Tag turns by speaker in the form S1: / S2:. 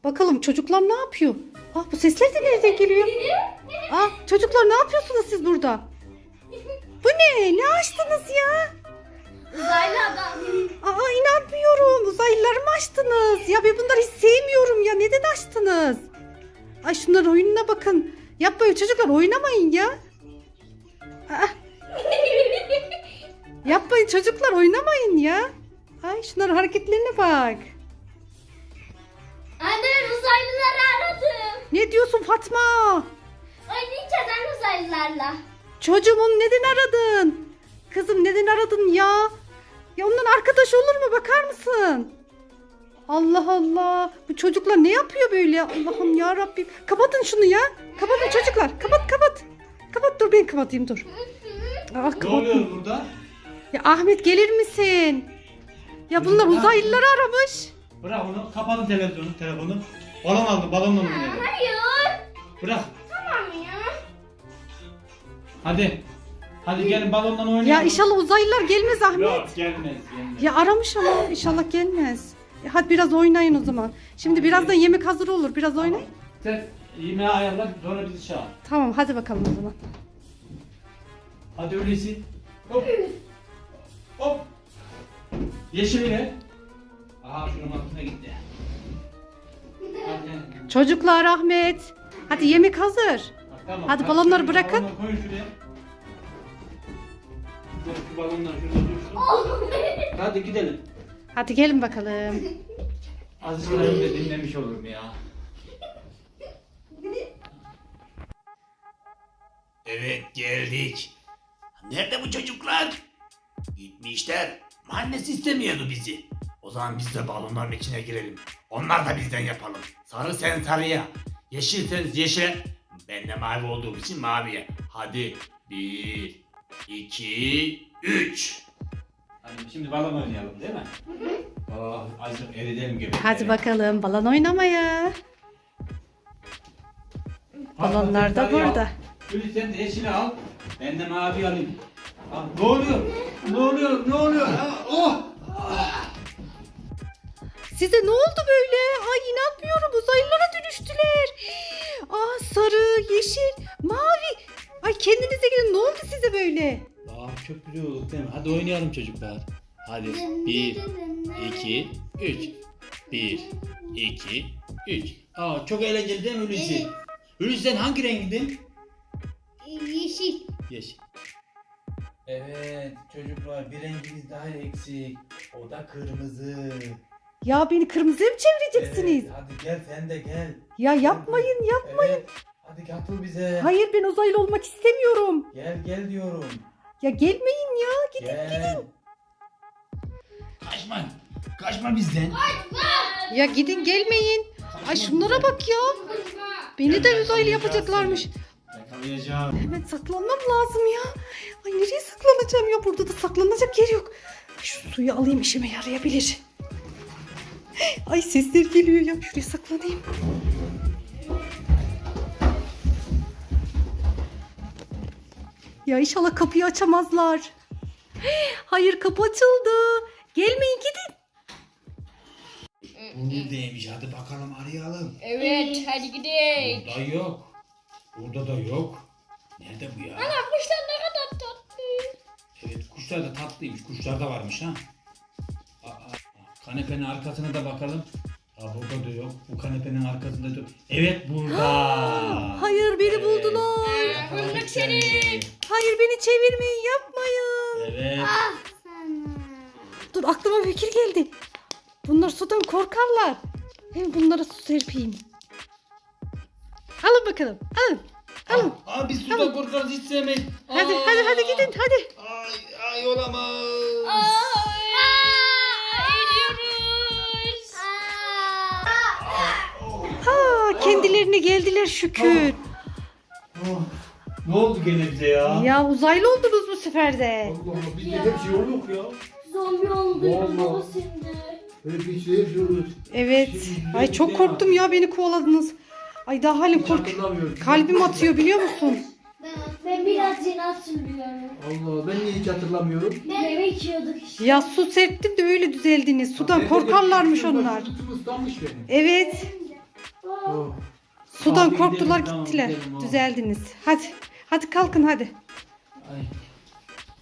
S1: Bakalım çocuklar ne yapıyor? Bu sesler de nereden geliyor? Çocuklar ne yapıyorsunuz siz burada? Bu ne? Ne açtınız ya?
S2: Uzaylı adam.
S1: İnanmıyorum. Uzaylıları mı açtınız? Ya ben bunları hiç sevmiyorum ya. Neden açtınız? Ay şunların oyununa bakın. Yapmayın çocuklar, oynamayın ya. Yapmayın çocuklar, oynamayın ya. Ay şunların hareketlerine bak.
S2: Anne, uzaylıları aradım.
S1: Ne diyorsun Fatma?
S2: Oynayacağız anne uzaylılarla.
S1: Çocuğum neden aradın? Kızım neden aradın ya? Ya ondan arkadaş olur mu, bakar mısın? Allah Allah. Bu çocuklar ne yapıyor böyle? Allah'ım ya Rabbim. Kapatın şunu ya. Kapatın çocuklar. Kapat. Kapat, dur ben kapatayım dur.
S3: Ne oluyor burada?
S1: Ya Ahmet gelir misin? Ya bunlar uzaylıları aramış.
S3: Bırak onu. Kapatın telefonu. Balon aldı. Balonla oynayalım.
S2: Hayır.
S3: Bırak.
S2: Tamam ya.
S3: Hadi gelin balonla oynayalım.
S1: Ya inşallah uzaylılar gelmez Ahmet.
S3: Yok gelmez.
S1: Ya aramış ama inşallah gelmez. Hadi biraz oynayın o zaman. Şimdi birazdan yemek hazır olur. Biraz oynayın.
S3: Sen yemeği ayarla sonra bizi çağır.
S1: Tamam hadi bakalım o zaman.
S3: Hadi öyleyse. Hop. Yeşili ne? Aha şunun altına gitti. Hadi.
S1: Çocuklar Ahmet. Hadi yemek hazır.
S3: Bak, tamam.
S1: Hadi balonları
S3: şöyle
S1: bırakın.
S3: balonları koyun şuraya. Dur, şu balonlar şurada dursun. Hadi gidelim.
S1: Hadi gelin bakalım.
S3: Azıcık önümde dinlemiş olurum ya.
S4: Evet geldik. Nerede bu çocuklar? Gitmişler. Annesi istemiyordu bizi. O zaman biz de balonların içine girelim. Onlar da bizden yapalım. Sarı sen sarıya. Yeşil sen yeşile. Ben de mavi olduğum için maviye. Hadi 1, 2, 3.
S3: Hadi şimdi balon oynayalım değil mi? Azıcık eridelim gibi.
S1: Hadi bakalım balon oynamaya. Balonlar da burada.
S3: Gülü sen de yeşili al. Ben de mavi alayım. Ne oluyor? Ne oluyor?
S1: Size ne oldu böyle? Ay inanmıyorum, uzaylılara dönüştüler. Sarı, yeşil, mavi. Ay kendinize gelin, ne oldu size böyle?
S4: Çok güzel olduk değil mi? Hadi oynayalım çocuklar. Hadi 1, 2, 3. 1, 2, 3. Çok eğlenceli değil mi Hulusi? Hulusi sen hangi rengindin?
S2: Yeşil.
S4: Yeşil. Evet çocuklar bir rengimiz daha eksik. O da kırmızı.
S1: Ya beni kırmızıya mı çevireceksiniz?
S4: Evet, hadi gel sen de gel.
S1: Ya yapmayın.
S4: Evet. Hadi katıl bize.
S1: Hayır, ben uzaylı olmak istemiyorum.
S4: Gel diyorum.
S1: Ya gelmeyin ya, gidin.
S4: Gel. Kaçma bizden.
S1: Ya gidin, gelmeyin. Ay şunlara bak ya. Beni de uzaylı yapacaklarmış.
S3: Yakalayacağım.
S1: Hemen saklanmam lazım ya. Ay nereye saklanacağım ya? Burada da saklanacak yer yok. Şu suyu alayım, işime yarayabilir. Ay sesler geliyor ya. Şuraya saklanayım. Ya inşallah kapıyı açamazlar. Hayır, kapı açıldı. Gelmeyin, gidin.
S4: Buradaymış hadi bakalım arayalım.
S2: Evet, hadi gidelim.
S4: Burada yok. Burada da yok. Nerede bu ya?
S2: Ana kuşlar ne kadar tatlı.
S4: Evet kuşlar da tatlıymış. Kuşlar da varmış ha. Kanepenin arkasına da bakalım. Burada da yok. Bu kanepenin arkasında da yok. Evet burada.
S1: Hayır, beni buldular.
S2: Bulduk seni.
S1: Hayır, beni çevirmeyin, yapmayın.
S4: Evet.
S1: Dur, aklıma fikir geldi. Bunlar sudan korkarlar. Hem bunlara su serpeyim. Alın bakalım. Alın.
S4: Biz suda korkarız hiç sevmeyiz.
S1: Hadi gidin hadi.
S4: Ay olamaz.
S2: Eriyoruz.
S1: Kendilerine geldiler şükür.
S3: Ne oldu gene bize ya?
S1: Ya uzaylı oldunuz bu sefer de.
S3: Allah Allah bizde hep şey yok ya.
S2: Zombi oldu.
S3: Vallahi.
S2: Baba şimdi.
S3: Öyle bir şey yaşıyoruz.
S1: Evet. Ay çok korktum ya, beni kovaladınız. Ay daha halim
S3: Hatırlamıyorum.
S1: Kalbim atıyor, biliyor musun?
S2: Ben biraz yeni hatırlıyorum.
S3: Allah ben niye hiç hatırlamıyorum?
S2: Yemek yiyorduk işte.
S1: Ya su serptim de öyle düzeldiniz. Sudan korkarlarmış onlar.
S3: Sırtım ıslanmış benim.
S1: Evet. Sudan
S3: Abi
S1: korktular
S3: gidelim, tamam,
S1: gittiler.
S3: gidelim, oğlum.
S1: Düzeldiniz. Hadi. Hadi kalkın hadi.
S3: Ay.